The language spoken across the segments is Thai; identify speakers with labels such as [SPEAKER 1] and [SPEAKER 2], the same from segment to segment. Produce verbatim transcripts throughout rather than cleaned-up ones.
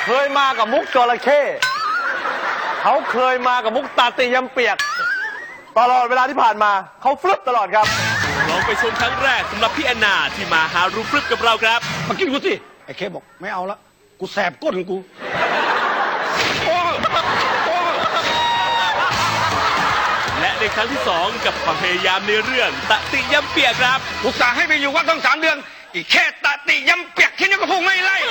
[SPEAKER 1] เคยมากับมุกจระเข้เขาเคยมากับมุกตาตียำเปียกตลอดเวลาที่ผ่านมาเขาฟลุปตลอดครับ
[SPEAKER 2] ลองไปชมครั้งแรกสำหรับพี่แอนนาที่มาหารูฟลุปกับเราครับ
[SPEAKER 3] มากินกูสิไอ้เคบอกไม่เอาละกูแสบก้นกู
[SPEAKER 2] และในครั้งที่สองกับความพยายามในเรื่องตะติยำเปียกครับ
[SPEAKER 3] อุตส่าห์ให้ไปอยู่วัดตั้งสามเดือนอีกแค่ตะติยำเปียกแค่นี้ก็คงไม่ไล่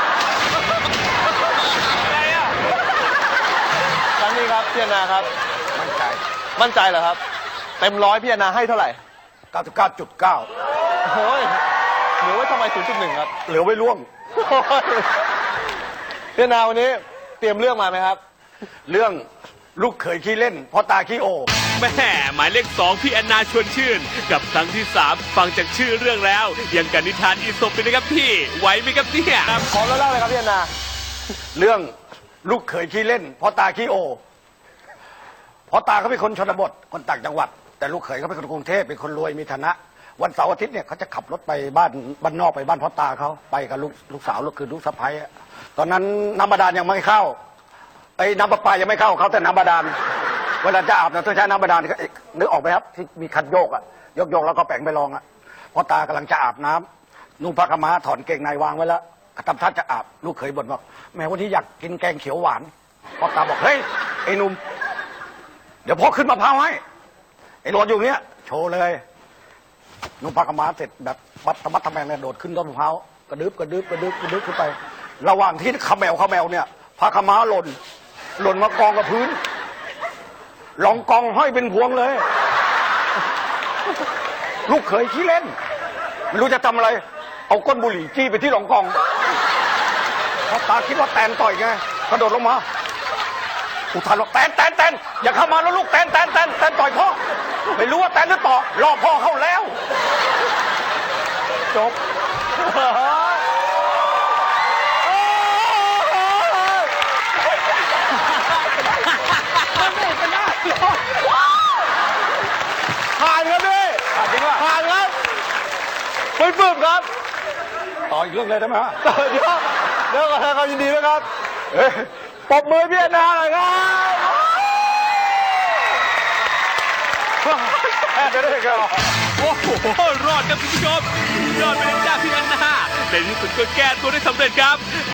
[SPEAKER 1] อะไรอ่ะครั้งนี้ครับพี่แอนนาครับ
[SPEAKER 3] มั่นใจ
[SPEAKER 1] มั่นใจเหรอครับเต็มร้อยพี่แอนนาให้เท่าไหร่
[SPEAKER 3] เก้าสิบเก้าจุดเก้า
[SPEAKER 1] โอ้ยเหลือไว้ทำไม ศูนย์จุดหนึ่ง ครับ
[SPEAKER 3] เหลือไว้ล่วง
[SPEAKER 1] พี่แอนนาวันนี้เตรียมเรื่องมาไหมครับ
[SPEAKER 3] เรื่องลูกเขยขี้เล่นพ่อตาขี้โอ
[SPEAKER 2] แม่หมายเลขสองพี่แอนนาชวนชื่นกับครั้งที่สามฟังจากชื่อเรื่องแล้วยังกันนิทานอีสปเลยนะครับพี่ไหวไหมครับเนี่ย
[SPEAKER 1] พร้อมแล้วเล่าเลยครับพี่แอนนา
[SPEAKER 3] เรื่องลูกเขยขี้เล่นพ่อตาขี้โอพ่อตาเขาเป็นคนชนบทคนต่างจังหวัดแต่ลูกเขยเขาเป็นคนกรุงเทพเป็นคนรวยมีฐานะวันเสาร์อาทิตย์เนี่ยเขาจะขับรถไปบ้านบ้านนอกไปบ้านพ่อตาเขาไปกับลูกลูกสาวลูกคือลูกสะใภ้ตอนนั้นน้ำบาดาลยังไม่เข้าไอ้น้ำประปายังไม่เข้าเขาแต่น้ำบาดาลเวลาจะอาบน้ำต้องใช้น้ำบาดาลนึกออกไหมครับที่มีคันโยกอะยกโยกแล้วก็แปลงไปลองอะพ่อตากำลังจะอาบน้ำนุ่งผ้าขม้าถอนเกงในวางไว้แล้วทำท่าจะอาบลูกเขยบ่นบอกแม่วันนี้อยากกินแกงเขียวหวานพ่อตาบอกเฮ้ยไอ้นุ่มเดี๋ยวพ่อขึ้นมะพร้าวให้ไอ้รถอยู่เนี้ยโชว์เลยนุ่งผ้าขม้าเสร็จแบบบัดธรรมะทำแมงเนี่ยโดดขึ้นต้นมะพร้าวกระดึบกระดึบกระดึบกระดึบขึ้นไป ระหว่างที่ขมแมวขมแมวเนี่ยผ้าขม้าหล่นหล่นมากองกับพื้นรองกองห้อยเป็นพวงเลยลูกเขยขี้เล่นไม่รู้จะทำอะไรเอาก้นบุหรี่จี้ไปที่รองกองพ่อตาคิดว่าแตนต่อยไงกระโดดลงมาอุทานว่าแตนแตนแตนอย่าเข้ามาแล้วลูกแตนแตนแตนแตนต่อยพ่อไม่รู้ว่าแตนหรือต่อรอพ่อเข้าแล้วจบ
[SPEAKER 1] ผ่านครับพี่ผ่านจริงป่ะผ่านครับไม่ปลื้มครับ
[SPEAKER 3] ต่ออีกเรื่องเลยได้ไหมฮะ
[SPEAKER 1] เดี๋ยวเดี๋ยวขอแสดงความยินดีด้วยครับปรบมือพี่แอนนาหน่อยครับจะได้กัน
[SPEAKER 2] โอ้โหรอดครับคุณผู้ชมยอดไปเลยจ้าพี่แอนนาในที่สุดก็แก้ตัวได้สำเร็จครับ